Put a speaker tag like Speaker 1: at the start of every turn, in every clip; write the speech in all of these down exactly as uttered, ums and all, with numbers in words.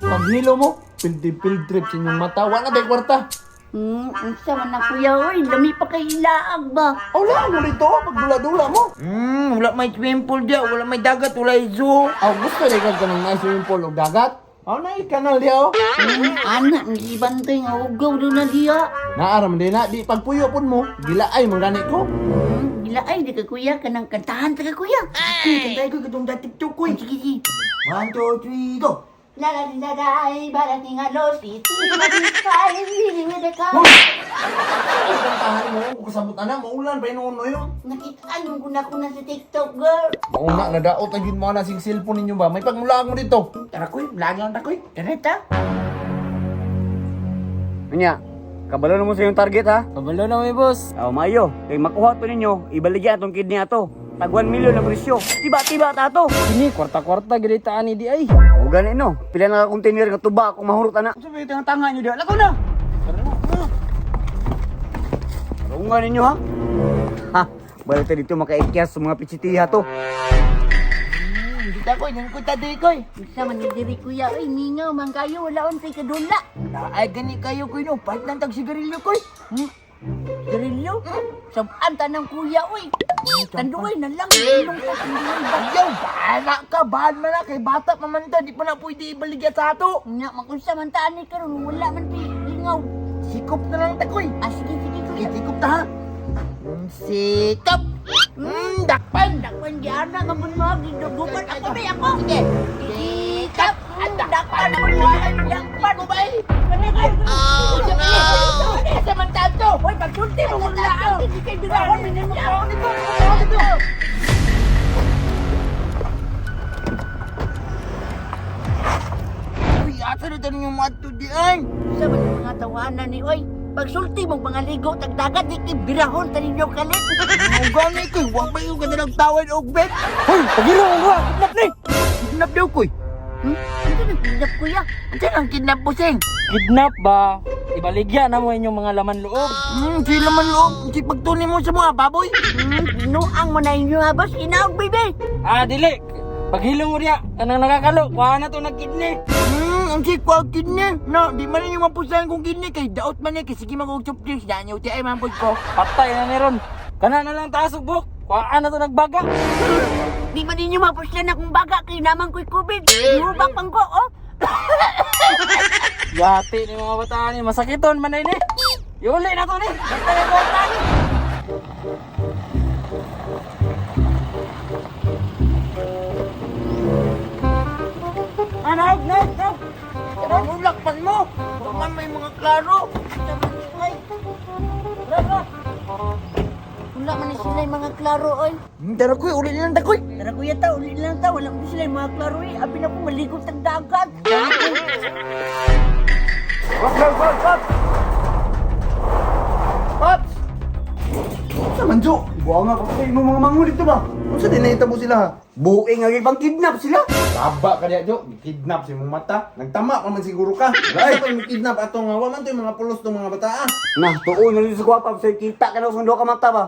Speaker 1: Paghilo mo, pildi-pildrip sa inyong mata. Wala na tayo kwarta.
Speaker 2: Hmm, unsa man na kuya, oy, lami pa kay ilaag ba?
Speaker 1: Wala mo dito, pagdula-dula mo.
Speaker 3: Hmm, wala may swimming pool dia, wala may dagat, wala may zoo.
Speaker 1: Aw, gusto rin ka ng nice swimming pool o dagat? Aw, na kanal di oh.
Speaker 2: Hmm, anak, hindi bantay nga ugaw doon na diya.
Speaker 1: Naaram din na, di pagpuyo pun mo, gilaay mong ganit ko.
Speaker 2: Hmm, gila ay, di ka kuya, kanang kantahan ta ka kuya.
Speaker 3: Kuy, kantay ko katong dati TikTok ko.
Speaker 2: Sige, sige.
Speaker 3: One, two, three, go.
Speaker 2: La la la la, barating nga los, iti, matipay, hindi mo ka.
Speaker 1: Ay, kantahan mo, kung kasabot na, maulan pa yun yun.
Speaker 2: Nakitaan ko na ko na sa TikTok, girl.
Speaker 1: Mauna, nadaot na yun mga nasing cellphone ninyo ba? May pagmulaan mo dito.
Speaker 3: Tara koy, lagi lang ta koy.
Speaker 2: Kareta?
Speaker 4: Anya, kabalo na mo sa iyong target ha?
Speaker 1: Kabalo na may boss.
Speaker 4: Aw, mayo. Kay makuha to ninyo, ibaligyan atong kidney ato. Tag one million na presyo. Tiba-tiba ta to.
Speaker 1: Ini, kwarta-kwarta, gilitaan ni di ay.
Speaker 4: O gani no, pila na ka container nga tuba kung mahurot ana.
Speaker 3: Sa may tanga tanga niyo dia. Lakaw na.
Speaker 4: Rungan ninyo ha. Ha, balik ta dito makaikyas sa mga pichitiha to.
Speaker 3: Kita koy, nang kuta diri koy.
Speaker 2: Unsa man ni diri kuya, oy, mingaw man kayo, wala on tay kadula.
Speaker 3: Ay gani kayo koy no, pahit lang tag sigarilyo koy.
Speaker 2: Hmm? Garilyo? Sabaan tanang kuya, oy. Tanduay na lang, ilong ko, tanduay ba?
Speaker 3: Ayaw, bahala ka, bahal man na kay bata pa man ta, di pa na pwede ibaligya sa ato.
Speaker 2: Nga, makunsa man taan ni karon, wala man pi, lingaw.
Speaker 3: Sikop na lang ta koy.
Speaker 2: Ah, sige, sige, kuya.
Speaker 3: Sikop ta ha. Mm, Sikop. Mm, dakpan.
Speaker 2: Dakpan di ana, kamun mo, gidugupan ako ba ako?
Speaker 3: Sige.
Speaker 2: Sikap, dakpan mo mo, dakpan mo ba eh?
Speaker 3: Oh, no! Samantado!
Speaker 2: Hoy, pagsulti mo muna ako. Hindi kayo bigawon, minimum ako nito.
Speaker 3: Uy, asa na tayo yung mato di ay?
Speaker 2: Sa man yung mga tawanan ni Oy, pagsulti mong mga ligo, tagdagat, di kibirahon, taninyo kalit.
Speaker 3: Ang gani koy, huwag ba yung ganda ng tawad o bet?
Speaker 1: Hoy, pagilo mo ha, kidnap ni.
Speaker 3: Kidnap daw koy.
Speaker 2: Hmm? Ano na pinap kuya?
Speaker 3: Ano ang kidnap po sing?
Speaker 1: Kidnap ba? Ibaligya na mo inyong mga laman loob.
Speaker 3: Hmm, sila man loob. Si pagtunin mo sa mga baboy.
Speaker 2: Hmm, binuang mo na inyo ha, boss. Inaog, baby.
Speaker 1: Ah, dili. Paghilo mo riya, kanang nakakalo, kuha na to nag-kidney.
Speaker 3: Hmm, ang si kwa kidney. No, di man yung mapusahan kong kidney kay daot man niya. Kay sige mag-chop drinks. Daan niya uti ay mampod ko.
Speaker 1: Patay na ni Ron. Kana na lang taas ubok. Kuha na to nagbaga.
Speaker 2: Di ba ninyo mapuslan akong baga kay naman ko'y COVID? Hubak pang ko, oh.
Speaker 1: Yati ni mga bata ni, masakiton man na ini. Yuli na to ni. Basta na kwarta ni.
Speaker 3: Ano, no, no. Ang lakpan mo. Huwag man may mga klaro.
Speaker 2: Ay. Rara. Wala man na sila yung mga klaro, oy.
Speaker 3: Hmm, tara koy, uli lang ta koy.
Speaker 2: Tara kuya ta, ulit lang ta. Wala man sila yung mga klaro, eh. Abi na po, maligot ang dagat.
Speaker 1: Wag, wag, wag, wag.
Speaker 3: Pops!
Speaker 1: Sa manjo.
Speaker 4: Buha nga pa kayo mga manghuli dito ba?
Speaker 1: Kung sa dinahita mo sila ha?
Speaker 4: Buing nga ibang kidnap sila.
Speaker 1: Taba ka diya, Jo. Kidnap si mong mata. Nagtama pa man siguro ka. Wala pa yung kidnap atong nga. Waman to yung mga pulos ng mga bata ah.
Speaker 4: Nah, tuon na dito sa kwapa sa kita ka na sa duha ka mata ba?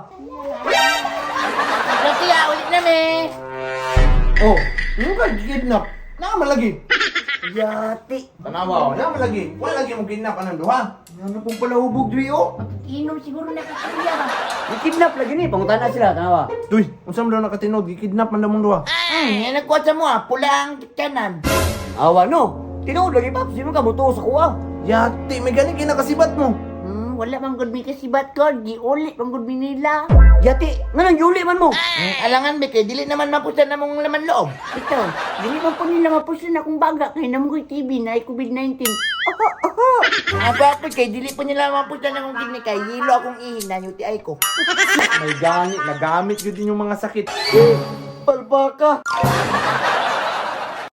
Speaker 3: Kasi ah, ulit na me.
Speaker 1: Oh, yung ka kidnap. Naman lagi.
Speaker 4: Yati.
Speaker 1: Tanawa, naman lagi. Wala lagi mong kidnap anang duha.
Speaker 3: Ano pong pala hubog dwi oh?
Speaker 2: Inom siguro na kakakuya ba?
Speaker 4: Ikidnap lagi ni, pangutan na sila, tanawa.
Speaker 1: Tuy, unsa man daw nakatinog, gikidnap man daw mong duha.
Speaker 3: Hmm, yan nagkuha sa mo ah, pula ang kanan.
Speaker 4: Awa no, tinuod lagi pa, sino ka buto sa kuha?
Speaker 1: Yati, may gani kinakasibat mo.
Speaker 2: Hmm, wala mang good may kasibat ko. Giuli pang good nila.
Speaker 4: Yati, nga nang yuli man mo.
Speaker 3: Hmm, alangan be, kay dili naman mapusan na mong laman loob.
Speaker 2: Ito, dili man po nila mapuslan akong baga kay naman ko'y T V na ay COVID nineteen.
Speaker 3: Ako ako kay dili pa nila mapusan na kong kidney kay hilo akong ihin na yuti ay ko.
Speaker 1: May gani, nagamit yun din yung mga sakit.
Speaker 4: Palbaka.